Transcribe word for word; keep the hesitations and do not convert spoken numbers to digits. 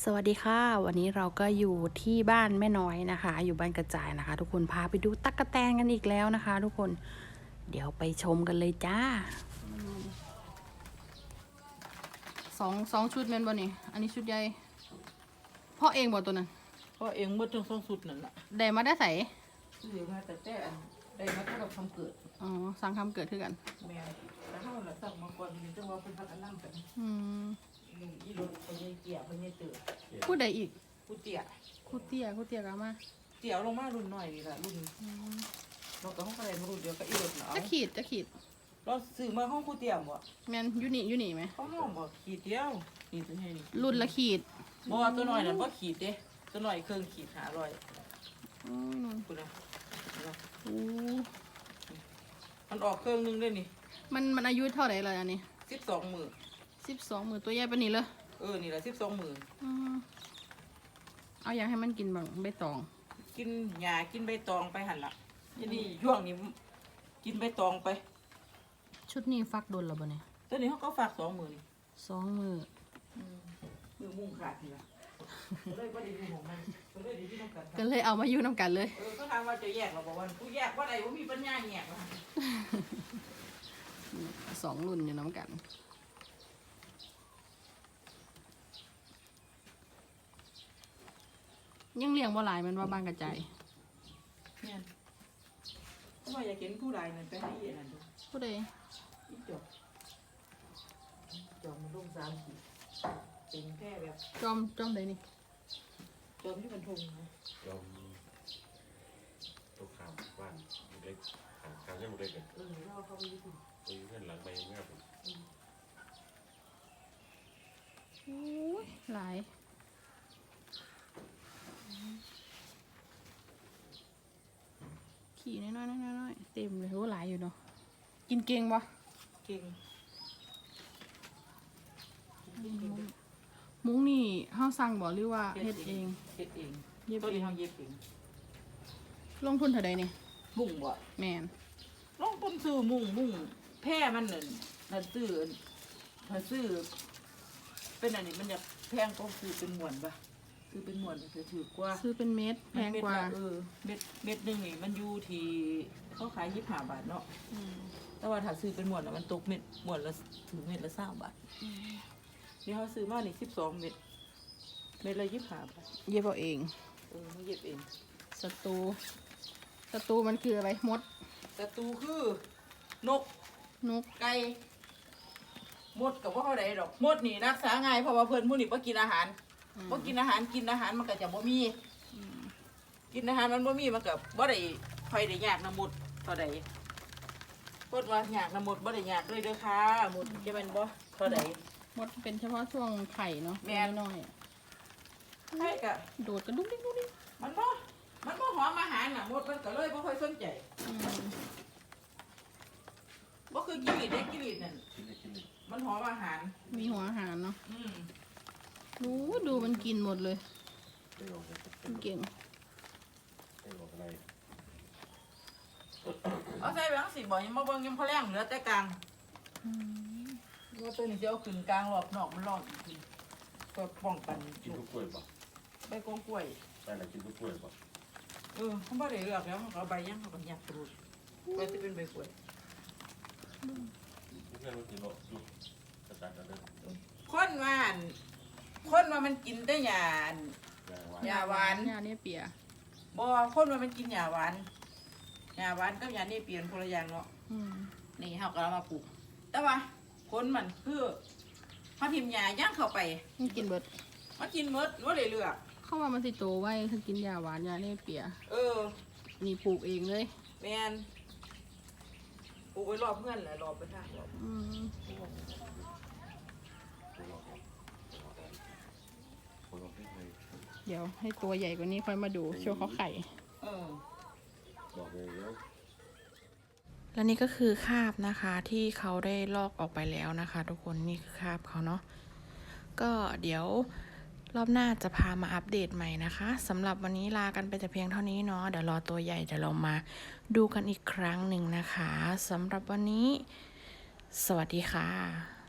สวัสดีค่ะวันนี้เราก็อยู่ที่บ้านแม่น้อยนะคะอยู่บ้านกระจายนะคะ ทุกคนพาไปดูตั๊กแตนกันอีกแล้วนะคะ ทุกคนเดี๋ยวไปชมกันเลยจ้าสองสองชุดแม่นบ่นี่อันนี้ชุดใหญ่พ่อเองบ่ตัวนั้นพ่อเองเมื่อทั้งสองสุดนั่นแหละได้มาได้ใส่ซื้อมาแต่แต่อันได้มาตั้งแต่ทำเกิดอ๋อสั่งคำเกิดขึ้นกันแม่แต่เท่าไหร่สั่งมาก่อนมีจังว่าเป็นพักอันนั่งกันอืมนี่อีรถไปยัยเกี่ยไปยัยเตือพูดได้อีกกูเตี่ยคูเตี้ยคูเตี้ยกันมาเตี่ยลงมารุ่นหน่อยนี่แหละรุ่นเราก็ห้องอะไรมารุ่นเดียวกับอีรถเนาะจะขีดจะขีดเราซื้อมาห้องกูเตี่ยบ่แมนยูนี่ยูนี่ไหมเขาห้องบ่ขีดเดียวนี่ซื้อให้นี่รุ่นละขีดบ่ตัวหน่อยนั่นบ่ขีดเด้ตัวหน่อยเครื่องขีดหาร้อยอืมคุณนะโอ้มันออกเครื่องนึงด้วยนี่มันมันอายุเท่าไหร่เลยอันนี้สิบสองหมื่นสิบสองหมื่นตัวใหญ่ปะนี่เลยเออนี่แหละสิบสองหมื่นเอาอย่างให้มันกินบางใบตองกินหญ้ากินใบตองไปหันละที่นี่ช่วงนี้กินใบตองไปชุดนี้ฟักโดนหรอบ่เนี่ยตัวนี้เขาก็ฝากสองหมื่นสองมือมือมุ่งขาดทีละก็เลยว่าดีดูของมันก็เลยดีที่ต้องการก็เลยเอามาอยู่น้ำกันเลยเออก็ถามว่าจะแยกเราบอกว่าผู้แยกว่าอะไรว่ามีปัญญาแยกสองรุ่นอยู่น้ำกันยังเลี้ยงบ่หลายมันว่าบางกระจายเนี่ยเพราะว่าอยากเห็นผู้ใดนั่นไปให้เอ็นั่นดูผู้ใดอีจบจอมมันลงสามขีดเป็นแค่แบบจอมจอมใดนี่จอมที่มันทงนะจอมตัวขาวบ้านเล็กขาวขาวยังเล็กเลยเออเราเขาไปญี่ปุ่นไปเพื่อนหลังไปเงี้ยผมโอ้ยหลายขี่น้อยๆน้อยๆเต็มเลยโหหลายอยู่เนาะกินเก่งปะเก่งมุ้งนี่ห้าสั่งบอกหรือว่าเฮ็ดเองเฮ็ดเองเย็บเองเย็บเองลงทุนเท่าใดนี่มุ้งบ่แมนลงทุนซื้อมุ้งมุ้งแพร่มันนั่นถ้าซื้อถ้าซื้อเป็นอันนี้มันจะแพงก็ซื้อเป็นหมวนปะซื้อเป็นหมวนจะถือกว่าซื้อเป็นเม็ดแพงกว่าเออเม็ดเม็ดหนึ่งนี่มันอยู่ที่เขาขายยี่สิบห้าบาทเนาะแต่ว่าถ้าซื้อเป็นหมวนมันตกเม็ดหมวนละถึงเม็ดละสามบาทนี่เขาซื้อมานี่สิบสองเม็ดเม็ดละยี่สิบห้าบาทเย็บเอาเองเออไม่เย็บเองศัตรูศัตรูมันคืออะไรมดศัตรูคือนกนกไก่มดกับว่าเขาได้ดอกมดนี่รักษาง่ายเพราะว่าเพื่อนผู้นี่บ่กินอาหารบ่กินอาหารกินอาหารมันก็จะบ่มีกินอาหารมันบ่มีมันก็บ่ได้ค่อยได้ยากน้ำมดเท่าใดเพิ่นว่ายากน้ำมดบ่ได้ยากเลยเด้อค่ะมดจะเป็นบ่เท่าใดมดเป็นเฉพาะช่วงไข่เนาะแม่น้อยไข่ก็โดดกระดุกดิ๊กดุ๊กดิ๊กมันบ่มันบ่หอมอาหารน่ะมดมันก็เลยบ่ค่อยสนใจบ่คือกิริดเด้กิริดนั่นมันหอมอาหารมีหัวอาหารเนาะดูดูมันกินหมดเลยเก่งเอาใส่แบงค์สิบ่ยังมาเบิ่งยังพอแรงเหลือแต่กลางว่าตัวนี้จะเอาขึ้นกลางรอบนอกมันร้อนอีกก็ป้องกันกินทุกกล้วยป่ะใบกงกล้วยใช่แล้วกินทุกกล้วยป่ะเออเขาไม่ได้เลือกแล้วเขาเอาใบยังเขาก็หยับกรูดใบจะเป็นใบกล้วยเพื่อนมันกินหรอกดูกระจายกันเลยคนว่าคนว่ามันกินได้หยาหยาหวานหยาเนี่ยเปียบ่คนว่ามันกินหยาหวานหยาหวานกับหยาเนี่ยเปลี่ยนคนละอย่างเนาะนี่เขาก็เอามาปลูกแต่ว่าคนมันคือเขาทิมหยาย่างเข้าไปมันกินเบิดมันกินเบิดว่าเลยเลือกเข้ามามันสิโตไว้ถ้ากินหยาหวานหยาเนี่ยเปียเออนี่ปลูกเองเลยแมนปลูกไว้รอบเพื่อนแหละรอบไปทางรอบเดี๋ยวให้ตัวใหญ่กว่านี้ค่อยมาดูโชว์เขาไข่และนี่ก็คือคาบนะคะที่เขาได้ลอกออกไปแล้วนะคะทุกคนนี่คือคาบเขาเนาะก็เดี๋ยวรอบหน้าจะพามาอัปเดตใหม่นะคะสำหรับวันนี้ลากันไปแต่เพียงเท่านี้เนาะเดี๋ยวรอตัวใหญ่เดี๋ยวเรามาดูกันอีกครั้งหนึ่งนะคะสำหรับวันนี้สวัสดีค่ะ